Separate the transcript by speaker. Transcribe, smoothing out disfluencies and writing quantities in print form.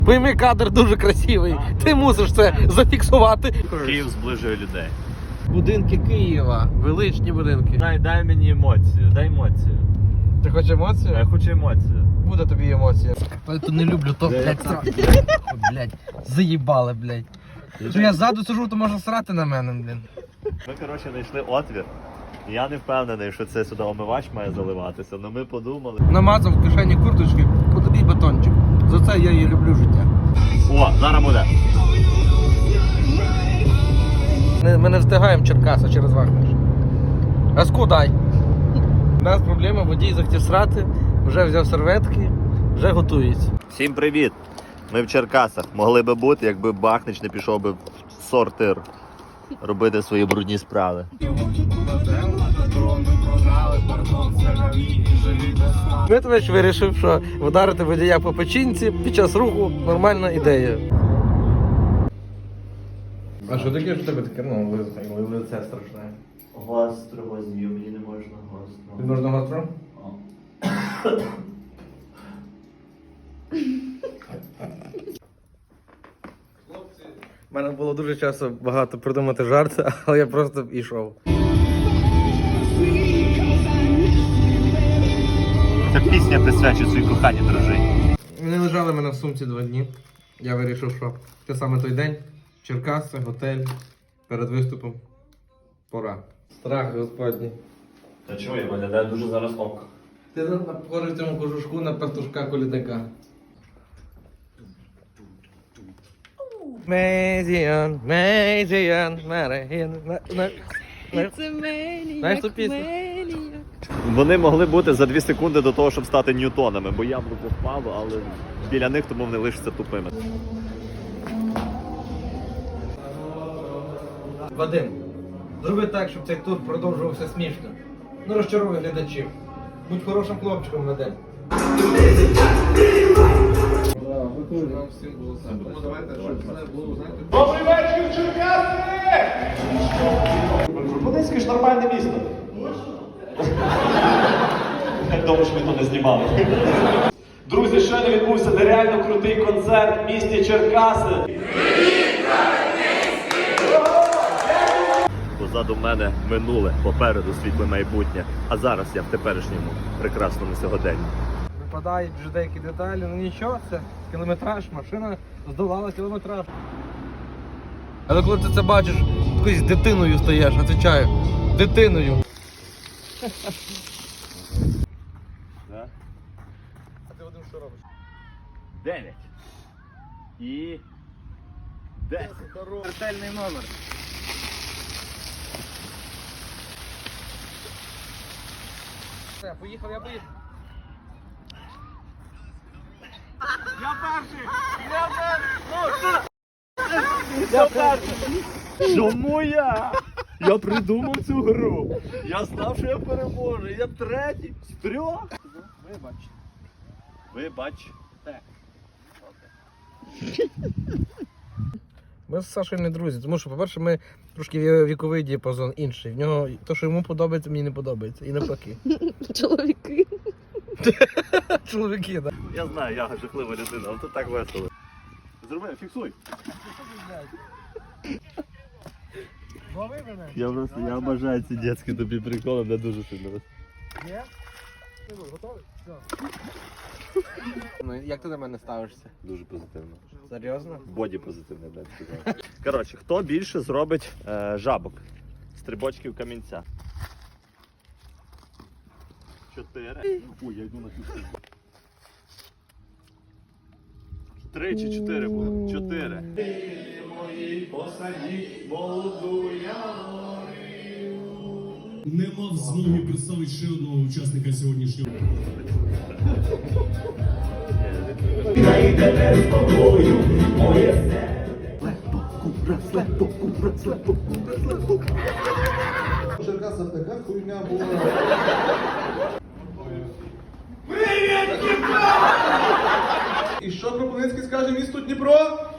Speaker 1: Пойми, кадр дуже красивий. Ти мусиш це зафіксувати.
Speaker 2: Київ зближує людей.
Speaker 1: Будинки Києва. Величні будинки.
Speaker 2: Дай мені емоцію, дай емоцію.
Speaker 1: Ти хочеш емоцію?
Speaker 2: Я хочу емоцію.
Speaker 1: Буде тобі емоція. Я тут не люблю, то, блядь, срати. Блядь, заїбали, блядь. Що я ззаду сижу, то можна срати на мене, блін.
Speaker 2: Ми, коротше, знайшли отвір. Я не впевнений, що це сюди омивач має заливатися, але ми подумали.
Speaker 1: Намазав в кишені курточки, подобій батончик. За це я її люблю життя.
Speaker 2: О, зараз буде.
Speaker 1: Ми не встигаємо Черкаса через Вагнер. А скудай. У нас проблема, водій захотів срати, вже взяв серветки, вже готується.
Speaker 2: Всім привіт! Ми в Черкасах. Могли би бути, якби Бахнич не пішов би в сортир робити свої брудні справи.
Speaker 1: Дмитрович вирішив, що вдарити водія по печінці під час руху нормальна ідея. А що таке, що тебе таке, лице страшне?
Speaker 2: Гостро возьмів, мені не можна гостро.
Speaker 1: Тобі можна гостро? У мене було дуже часу багато придумати жарти, але я просто йшов.
Speaker 2: Ця пісня присвячує своїй коханій дружині.
Speaker 1: Вони лежали в мене в сумці 2 дні. Я вирішив, що це саме той день. Черкаси, готель, перед виступом. Пора. Страх господній.
Speaker 2: Та чого, я виглядаю дуже зараз ок.
Speaker 1: Ти похожий в цьому кожушку на пастушка-колідника. Мезіан, знаєш ту пісню?
Speaker 2: Вони могли бути за 2 секунди до того, щоб стати ньютонами, бо яблуко впало, але біля них тому вони лишаться тупими.
Speaker 1: Вадим, зроби так, щоб цей тур продовжувався смішно. Не розчаруй глядачів. Будь хорошим хлопчиком, Вадим.
Speaker 3: Добрий вечір, Черкаси! Кропивницьке ж нормальне місто. Я думаю, що ми то не знімали. Друзі, щойно відбувся нереально крутий концерт в місті Черкаси.
Speaker 2: Позаду мене минуле, попереду світле майбутнє, а зараз я в теперішньому прекрасному сьогоденні.
Speaker 1: Випадають вже деякі деталі, ну нічого, це кілометраж, машина здолала кілометраж. Але коли ти це бачиш, якоюсь дитиною стаєш, отвечаю, дитиною.
Speaker 2: Да?
Speaker 1: А ти, Вадим, що робиш?
Speaker 2: 9 і 10.
Speaker 1: Смертельний номер. Все, поїхав, я поїхав.
Speaker 2: Чому я? Я придумав цю гру. Я знав, що я переможу. Я третій з 3.
Speaker 1: Вибач.
Speaker 2: Вибач.
Speaker 1: Ми з Сашою не друзі, тому що, по-перше, ми трошки віковий діапазон інший. В нього те, що йому подобається, мені не подобається. І навпаки.
Speaker 4: Чоловіки.
Speaker 1: Чоловіки, так.
Speaker 2: Я знаю, я жахлива людина, але тут так весело. Зроби, фіксуй.
Speaker 1: Лови мене.
Speaker 2: Я бажаю ці дитячі тобі приколи, мене дуже сильно.
Speaker 1: Є? Ти готовий? Все. Ну, як ти до мене ставишся?
Speaker 2: Дуже позитивно.
Speaker 1: Серйозно?
Speaker 2: Боді позитивне, блядь, сказав. Коротше, хто більше зробить жабок? Стрибочків камінця. 4. Ой, я йду на цю сторону. 3 чи 4 було? 4.
Speaker 5: Не мав змоги представити ще одного учасника сьогоднішнього.
Speaker 3: У Черкасах така хуйня була. І що Кропивницький скаже місту Дніпро?